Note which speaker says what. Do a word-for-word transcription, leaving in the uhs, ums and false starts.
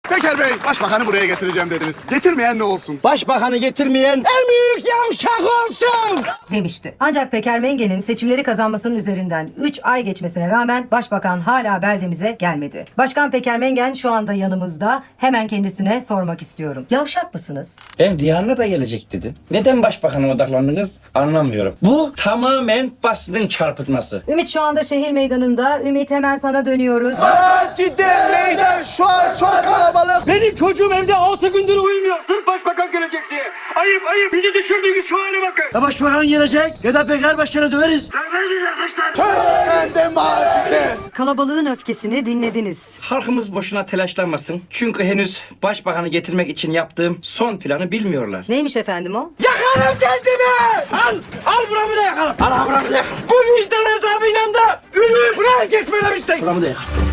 Speaker 1: Peker Bey, başbakanı buraya getireceğim dediniz. Getirmeyen ne olsun?
Speaker 2: Başbakanı getirmeyen en büyük yavşak olsun
Speaker 3: demişti. Ancak Peker Menge'nin seçimleri kazanmasının üzerinden üç ay geçmesine rağmen başbakan hala beldemize gelmedi. Başkan Peker Mengen şu anda yanımızda. Hemen kendisine sormak istiyorum. Yavşak mısınız?
Speaker 2: Ben Rihanna da gelecek dedim. Neden başbakana odaklandınız anlamıyorum. Bu tamamen basının çarpıtması.
Speaker 3: Ümit şu anda şehir meydanında. Ümit hemen sana dönüyoruz.
Speaker 1: Aa, cidden meydan şu an çok kalabalık.
Speaker 2: Benim çocuğum evde altı gündür uyumuyor.
Speaker 4: Sırf başbakan gelecek diye. Ayıp ayıp. Bizi düşürdüğünüz şu hale bakın.
Speaker 2: Ya başbakan gelecek ya da Peker Başkan'ı döveriz.
Speaker 1: Söz sende Macide.
Speaker 3: Kalabalığın öfkesini dinlediniz.
Speaker 2: Halkımız boşuna telaşlanmasın. Çünkü henüz başbakanı getirmek için yaptığım son planı bilmiyorlar.
Speaker 3: Neymiş efendim o?
Speaker 2: Yakarım kendimi! Al! Al buramı da yakarım! Al buramı da yakarım! Bu vicdan hesabıyla da ölür! Buraya geçmelemişsin! Buramı da yakarım.